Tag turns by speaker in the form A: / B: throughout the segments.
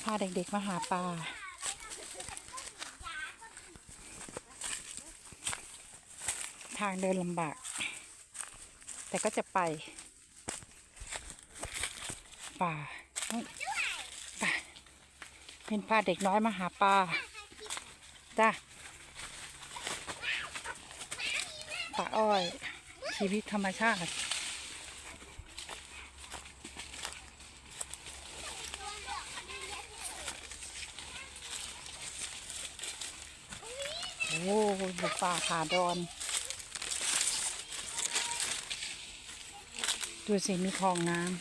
A: พาเด็กๆมาหาปลาทางเดินลำบากแต่ก็จะไปป่าป่าเป็นพาเด็กน้อยมาหาปลาจ้ะป่าอ้อยชีวิตธรรมชาติโอ้บุกป่าขาดอนดูสิมีคลองน้ำ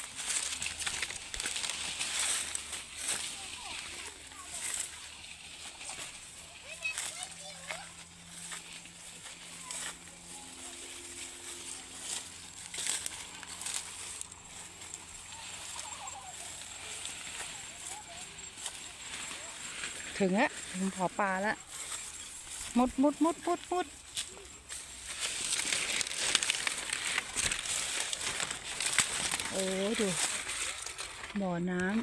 A: ถึงแล้วถึงขอปลาแล้วมุดโอ้ดูบ่อน้ำ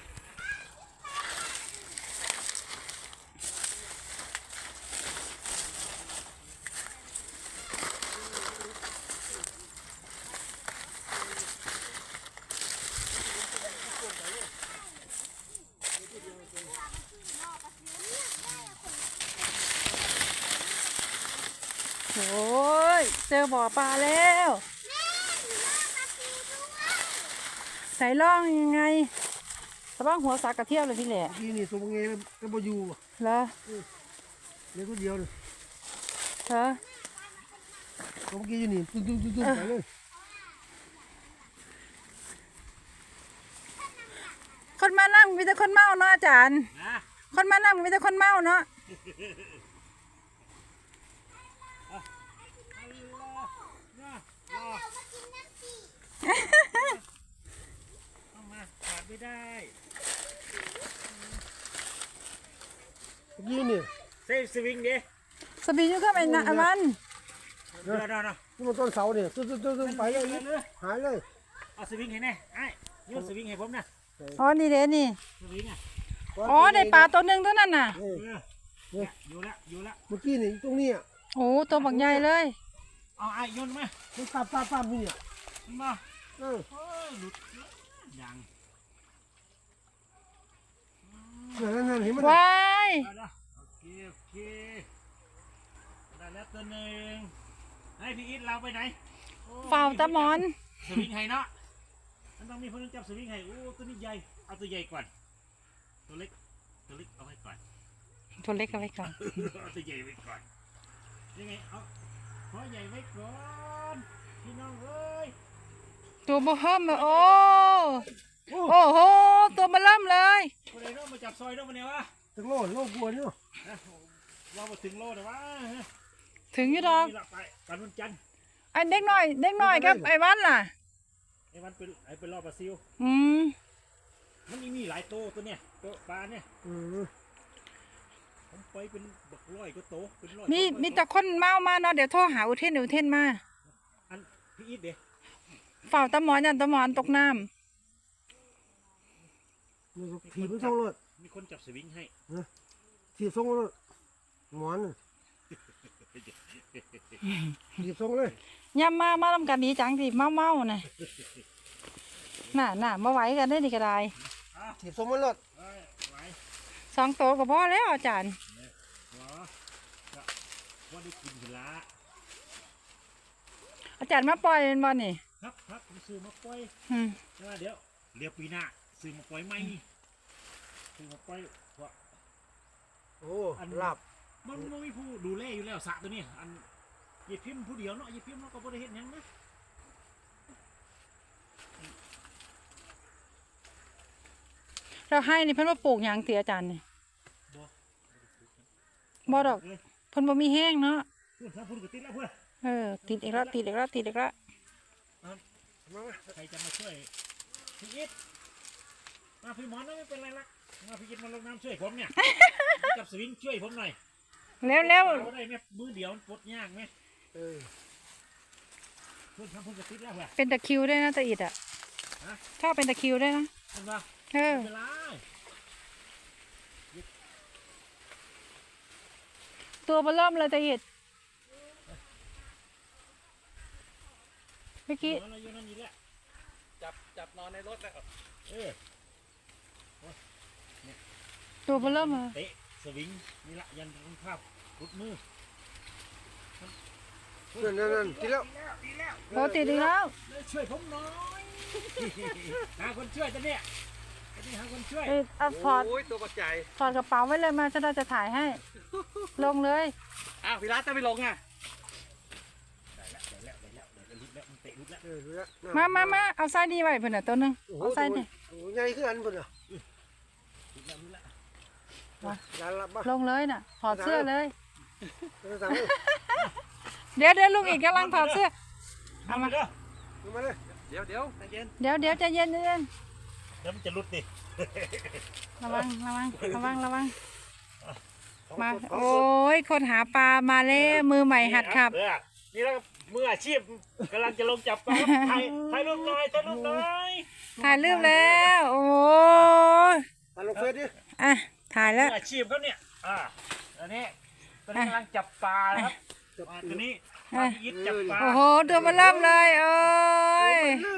A: โอ้ยเจอบ่อปลาแล้วใส่ล่องยังไงสะบ้างหัวสากกระเทียมเลยพี่แหละ
B: นี่สมงเงยก็บ่อยู่
A: เหรอ
B: เลี้ยงคนเดียวเลย
A: เหรอ
B: สมงเงยอยู่นี่ตุ้มไปเลย
A: คนมานั่งมีแต่คนเมาเนาะอาจารย์คนมานั่งมีแต่คนเมาเนาะ
C: ขาดไม่ได้
B: ยี่นี่
C: เซฟสวิงดิ
A: สบีอยู่ก็ไปนะมัน
C: เดี๋ยว
B: นี่มันต้นเสาเนี่ยตุ้มไปเลยหายเลย
C: เอาสวิงให้แน่ไอ้ยืนสวิงให้ผมนะ
A: อ๋อนี่เด้นี่
C: สวิงอ่ะ
A: อ๋อได้ปลาตัวหนึ่งตัวนั้นน่ะ
C: อยู่แล้ว
B: เมื่อกี้นี่ตรงนี้
A: โอ้ตัวบักใหญ่เลย
C: เอาไอ้ยนมา
B: มันปั๊บนี่เนี่ย
C: มาหลุดยัง
B: นั่นเห็นมั้ย
A: ว้าย
C: โอเคได้แล้วตัวหนึ่งให้พี่อิทเราไปไหน
A: เฝ้าตะมอน
C: สวิงให้เนาะมันต้องมีคนจับสวิงให้โอ้ตัวนี้ใหญ่เอาตัวใหญ่ก่อนตัวเล็กเอาไว้ก่อน
A: ตัวเล็กเอาไว้ก่อน
C: เอาตัวใหญ่ไว้ก่อนยังไงเอาขอใหญ่ไว้ก่อนพี่น้องเอ้ย
A: ตัวบ่เฮิมโอ้โหตัวมาเริ่มเลย
C: คนไหนน้องมาจับซอยน้องมาเนี่ยวะ
B: ถึงโลกลัวเนี่ย
C: เรามาถึงโลแต่ว่า
A: ถึงอยู่ดอก
C: ไปปันวันจันทร์
A: ไอ้เด็กน้อยครับไอ้วันล่ะ
C: ไอ้วันเป็นรอบปลาซิวมันมีหลายโตตัวเนี่ยตัวปลาเนี่ยผมไปเป็นบักร้อยก็โตเป็นร้อย
A: มีแต่คนเมามาเนาะเดี๋ยวโทรหาอุเทนมา
C: อันพี่อีทเด้
A: เฝ้าตะมอนยันตะมอนตกน้ำ
B: ถีบมันส่งรถ
C: มีคนจับสวิงให้
B: ถีบส่งรถหมอนถีบส่งเลย
A: ย่ำมาทำกันดีจังสิเมาน่ะน่ะมาไหวกันได้ดีก็ได้
B: ถีบส่งมันรถ
A: 2 ตัวก็พอแล้วอาจารย์
C: ว่าได้กินละ
A: อาจารย์มาปล่อยเป็นบอลนี่
C: ครับผมซื้อมาปล่อยเดี๋ยวเรียบปีหน้าซื้อมาปล่อยไหมซื้อมาปล่อยว่า
B: โอ้หลับ
C: มันไม่มีผู้ดูแลอยู่แล้วสระตัวนี้อันยีพิมพ์ผู้เดียวเนาะยีพิมพ์เนาะก็บ่ได้เห็นยังนะ
A: เราให้นี่เพิ่นว่าปลูกหยังเสียอาจารย์นี่บ่ดอกเพิ่นบ่มีแห้งเนาะ
C: พูดกับติดแล้วเพื่
A: อนติดอีกแล้ว
C: ใครจะมาช่วยพี่อิทมาพี่หมอนไม่เป็นไรละมาพี่อิทมาลงน้ำช่วยผมเนี่ยจับสวิงช่วยผมหน่อย
A: แล้ว
C: ได้ไหมมือเดียวมันปลดยากไหมพูดกับติดแล้วเพื่อน
A: เป็นตะคิวได้นะตะอิดอ่ะชอบเป็นตะคิวได้นะ
C: เห็นปะ
A: เ
C: วลา
A: ตัวเบอเริ่มเลยตะหิดเมื่อกี้
C: นอนอยู่นั่นนี่แหละ
D: จับนอนในรถแล้ว
C: เออ
A: ตัวเบอเริ่มเลย
C: เตะสวิงนี่ละยันรองเท้ารุดมือ
B: นั่นทีแล้ว
A: โบติดอีกแล้ว
C: ช่วยผมหน่อยหาคนช่วยจะเนี่ยจะนี่หาคนช่วย
A: เอาถอด
D: โอ้ยตัวปัจจัย
A: ถอดกระเป๋าไว้เลยมาฉันจะถ่ายให้ ลงเลย
D: อ้าวพี่รัตจะไปลงอ่ะ
C: ได้แล้วรุดแล้วมันเตะรุดแล้ว
B: ดูแล้ว
A: มาเอาไส้ดีไว้เพื่อนน่ะตัวหนึง
B: โอ้โห
A: เอาไส้นี่
B: ใหญ่ขึ้นอันเพิ่นอ่ะ
C: รุดแล้ว
B: ยันละบ้า
A: ลงเลยน่ะถอดเสื้อเลย
B: สั่ง
A: เดี๋ยวลุงอีกกำลังถอดเสื้อ
C: เอามาเด้อ
B: มาเลย
D: เดี๋ยวใจเย็น
A: เดี๋ยวใจเย็น
C: เดี๋ยวมันจะรุดดิ
A: ระวังมาโอ้ยคนหาปลามาแล้วมือใหม่หัดขับ
C: นี่แล้วมืออาชีพกำลังจะลงจับปลาถ่ายรูปหน่อย
A: ถ่ายรูปแล้วโอ้ย
B: ลงเฟซดิ
A: อ่ะถ่ายแล้ว
C: มืออาชีพเขาเนี่ยอันนี้ตอนนี้กำลังจับปลานะครับตัวนี้ปลาพิษจับปลา
A: โอ้โหตัวมันเริ่มเลยโอ้ย